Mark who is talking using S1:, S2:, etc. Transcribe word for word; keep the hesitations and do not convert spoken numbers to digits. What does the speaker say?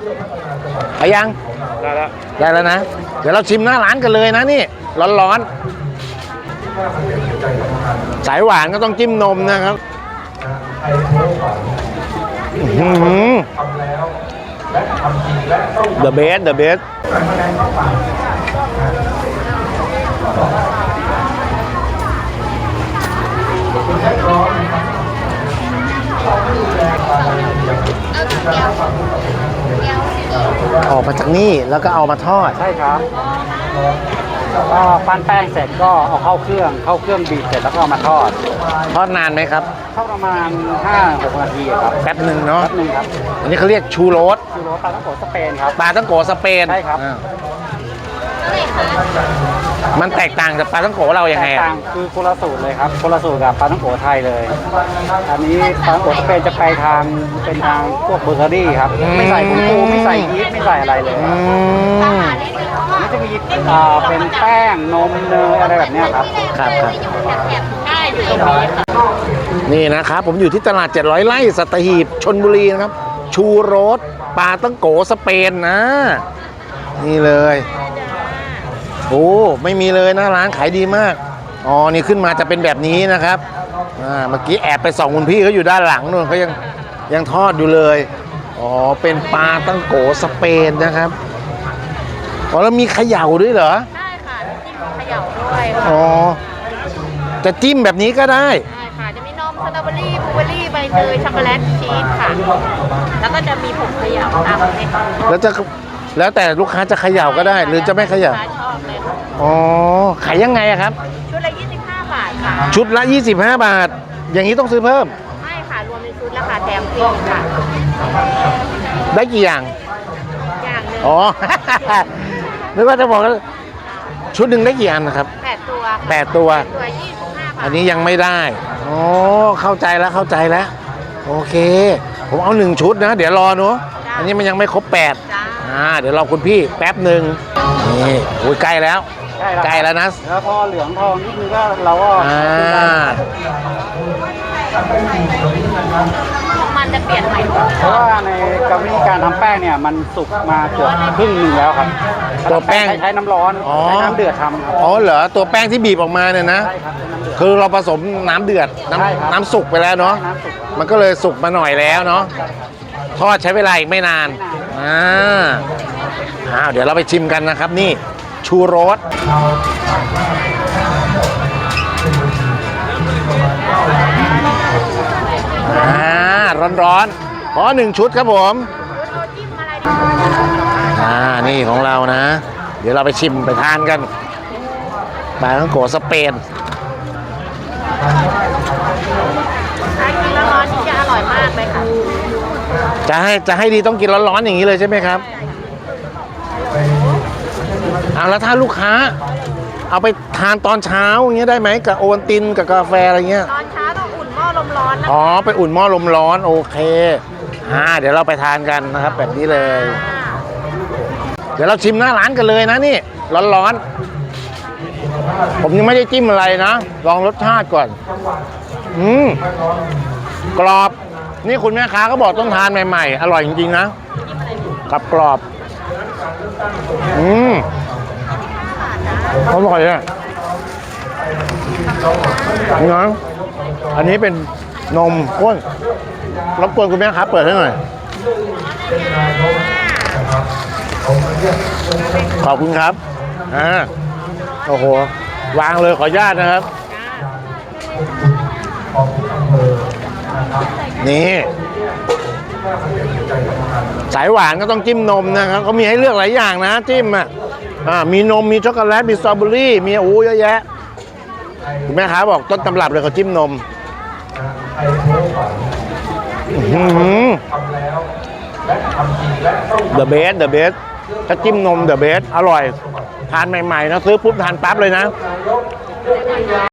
S1: ไปยัง
S2: ได้แล้ว
S1: ได้แล้วนะเดี๋ยวเราชิมหน้าร้านกันเลยนะนี่ร้อนๆสายหวานก็ต้องจิ้มนมนะครับเดอะเบสเดอะเบสออกมาจากนี่แล้วก็เอามาทอด
S2: ใช่ครับก็ปั้นแป้งเสร็จก็เอาเข้าเครื่องเข้าเครื่องบีบเสร็จแล้วก็เอามาทอด
S1: ทอดนานไหมครับ
S2: ทอดประมาณ ห้าหก นาทีครับ
S1: แป๊บหนึ่งเนาะ
S2: แป๊บหนึ่งครับ
S1: อันนี้เขาเรียกชูโรส
S2: ชูโรสปลาตั้งโกสเปนครับ
S1: ปลาตั้งโกสเปน
S2: ใช่ครับ
S1: มันแตกต่างจากปลาตั้งโกเราอย่างไง
S2: แตกต่างคือคนละสูตรเลยครับคนละสูตรกับปลาตั้งโกไทยเลยอันนี้ปลาตั้งโกสเปนจะไปทางเป็นทางพวกเบเกอรี่ครับไม่ใส่กุ้งปูไม่ใส่ยีสต์ไม่ใส่อะไรเลยนี่จะมีเป็นแป้งนมเนยอะไรแบบนี้ครับ
S1: ครับครับนี่นะครับผมอยู่ที่ตลาดเจ็ดร้อยไร่สัตหีบชลบุรีนะครับชูโรสปลาตั้งโกสเปนนะนี่เลยโอ้ไม่มีเลยนะร้านขายดีมากอ๋อนี่ขึ้นมาจะเป็นแบบนี้นะครับอ่าเมื่อกี้แอบไปส่องคุณพี่เขาอยู่ด้านหลังนู่นเขายังยังทอดอยู่เลยอ๋อเป็นปลาตั้งโกสเปนนะครับอ๋อแล้วมีเขย่าด้วยเหรอ
S3: ใช่ค่ะจิ้มเขย่าด้วย
S1: อ๋อจะจิ้มแบบนี้ก็ได้
S3: ใช่ค่ะจะมีนมสตรอเบอรี่บลูเบอรี่ใบเตยช็อกโกแลตชีสค่ะแล้วก็จะมีผงเขย่าตามนี้
S1: แล้วจะแล้วแต่ลูกค้าจะเขย่าก็ได้หรือจะไม่เขย่าอ๋อขายยังไงครับ
S3: ชุดละยี่สิบห้าบาทค่ะ
S1: ชุดละยี่สิบห้าบาทอย่างนี้ต้องซื้อเพิ่ม
S3: ไม่ค่ะรวมในชุดราคาแถมฟรีค่ะ
S1: ได้กี่อย่าง
S3: อย่างนึง
S1: อ๋อนึกว่าจะบอกว่าชุดหนึ่งได้กี่อันนะครับ
S3: แปดตัว
S1: แปดตัว
S3: ตัวยี่สิบห้าบาท
S1: อันนี้ยังไม่ได้อ๋อเข้าใจแล้วเข้าใจแล้วโอเคผมเอาหนึ่งชุดนะเดี๋ยวรอเนาะอันนี้มันยังไม่ครบแปดอ่าเดี๋ยวรอคุณพี่แป๊บหนึ่งนี่โอ้ยใกล้แล้วใกล้แล้วนะ
S2: แล้วพอเหลืองทองนิดนึงก็เราก็
S1: อ่า
S3: มันจะเปลี่ยนใหม่
S2: เพราะว่าในกรรมวิธีการทำแป้งเนี่ยมันสุกมาเกือบครึ่งหนึ่งแล้วครับ
S1: ตัวแป้ง
S2: ใช้น้ำร้อนใช้น้ำเดือดทำครับ
S1: อ๋อเหรอตัวแป้งที่บีบออกมาเนี่ยนะคือเราผสมน้ำเดือดน้ำน้ำสุกไปแล้วเนาะมันก็เลยสุกมาหน่อยแล้วเนาะทอดใช้เวลาอีกไม่นานอ่าอ้าวเดี๋ยวเราไปชิมกันนะครับนี่ชูโรสอ่าร้อนๆขอหนึ่งชุดครับผมอ่านี่ของเรานะเดี๋ยวเราไปชิมไปทานกันปลาตั้งโกสเปน
S3: ถ้ากินแล้วร้อนนี่จะอร่อยมากเลยค่ะ
S1: จะให้จะให้ดีต้องกินร้อนๆอย่างนี้เลยใช่ไหมครับเอาแล้วถ้าลูกค้าเอาไปทานตอนเช้าอย่างเงี้ยได้ไหมกับโอวัลตินกับกาแฟอะไรเงี้ย
S3: ตอนเช้าต้องอุ่นหม้อลมร้อนนะ
S1: อ๋อไปอุ่นหม้อลมร้อนโอเคอ่าเดี๋ยวเราไปทานกันนะครับแบบนี้เลยเดี๋ยวเราชิมหน้าร้านกันเลยนะนี่ร้อนๆผมยังไม่ได้จิ้มอะไรนะลองรสชาติก่อนอืมกรอบนี่คุณแม่ค้าก็บอกต้องทานใหม่ๆอร่อยจริงๆนะกับกรอบอืมอร่อยอ่ะนี่นะอันนี้เป็นนมข้นรบกวนคุณแม่ครับเปิดให้หน่อยขอบคุณครับอ่าโอ้โหวางเลยขออนุญาตนะครับนี่สายหวานก็ต้องจิ้มนมนะครับเขามีให้เลือกหลายอย่างนะจิ้มอ่ะอ่ามีนมมีช็อกโกแลตมีสตรอเบอรี่มีโอ้เยอะแยะคุณแม่ค้าบอกต้นตำรับเลยเขาจิ้มนมเดอะเบสเดอะเบสถ้าจิ้มนมเดอะเบสอร่อยทานใหม่ๆนะซื้อปุ๊บทานปั๊บเลยนะ